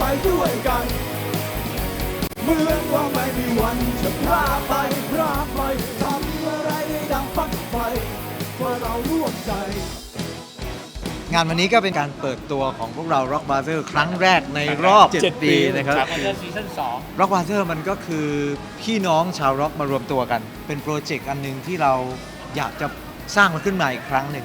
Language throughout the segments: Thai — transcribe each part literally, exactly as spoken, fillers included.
ด้วยกันเหมือนว่าไม่มีวันจะพลาดไปพลาดไปทำอะไรได้ดังฝันใฝ่ว่าเราร่วมใจงานวันนี้ก็เป็นการเปิดตัวของพวกเรา Rock Brother ครั้งแรกในรอบ เจ็ด ปีนะครับซีซั่นสอง Rock Brother มันก็คือพี่น้องชาวร็อกมารวมตัวกัน เป็นโปรเจกต์อันหนึ่งที่เราอยากจะสร้างมันขึ้นมาอีกครั้งหนึ่ง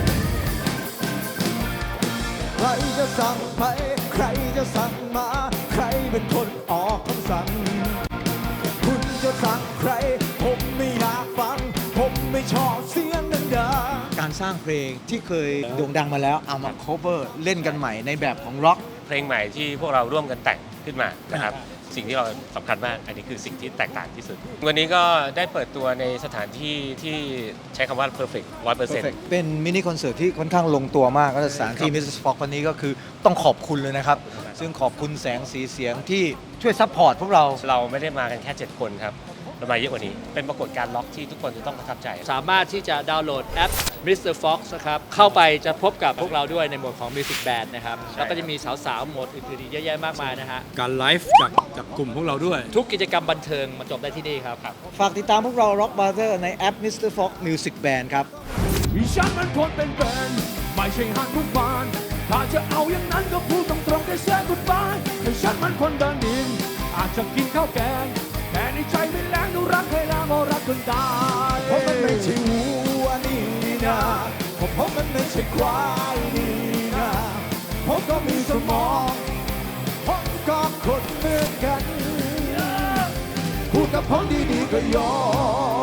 ใครจะสั่งไปใครจะสั่งมาใครเป็นคนออกคำสั่งคุณจะสั่งใครผมไม่อยากฟังผมไม่ชอบเสียงดังการสร้างเพลงที่เคยโด่งดังมาแล้วเอามา cover เล่นกันใหม่ในแบบของร็อกเพลงใหม่ที่พวกเราร่วมกันแต่งขึ้นมานะครับสิ่งที่เราสำคัญมากอันนี้คือสิ่งที่แตกต่างที่สุดวันนี้ก็ได้เปิดตัวในสถานที่ที่ใช้คำว่า perfect ร้อยเปอร์เซ็นต์เป็นมินิคอนเสิร์ตที่ค่อนข้างลงตัวมากก็สถานที่ มิสเตอร์ Fox วันนี้ก็คือต้องขอบคุณเลยนะครับซึ่งขอบคุณแสงสีเสียงที่ช่วยซัพพอร์ตพวกเราเราไม่ได้มากันแค่เจ็ดคนครับเรามาเยอะกว่านี้เป็นปรากฏการณ์ล็อกที่ทุกคนจะต้องประทับใจสามารถที่จะดาวน์โหลดแอป มิสเตอร์ Fox นะครับเข้าไปจะพบกับพวกเราด้วยในโหมดของ Music Band นะครับแล้วก็จะมีสาวๆโหมดอื่นๆอีกเยอะแยะมากมายนะฮะการไลฟ์จากจากกลุ่มพวกเราด้วยทุกกิจกรรมบันเทิงมาจบได้ที่นี่ครับฝากติดตามพวกเรา Rock Brother ในแอป มิสเตอร์ Fox Music Band ครับฉันมันคนเป็นแฟนไม่ใช่หันทุกบานถ้าจะเอาอย่างนั้นก็พูดตรงๆได้แซ่กุดบายแต่ฉันมันคนเดินดินอาจจะกินข้าวแกงแต่ในใจไม่แรงดูรักให้ลาโมรักจนตายเพราะมันไม่ใช่วัวนี่นะเพราะมันไม่ใช่ควายนี่นะผมก็มีสมองผมก็คนเหมือนกันพูดกับผมดีๆก็ยอม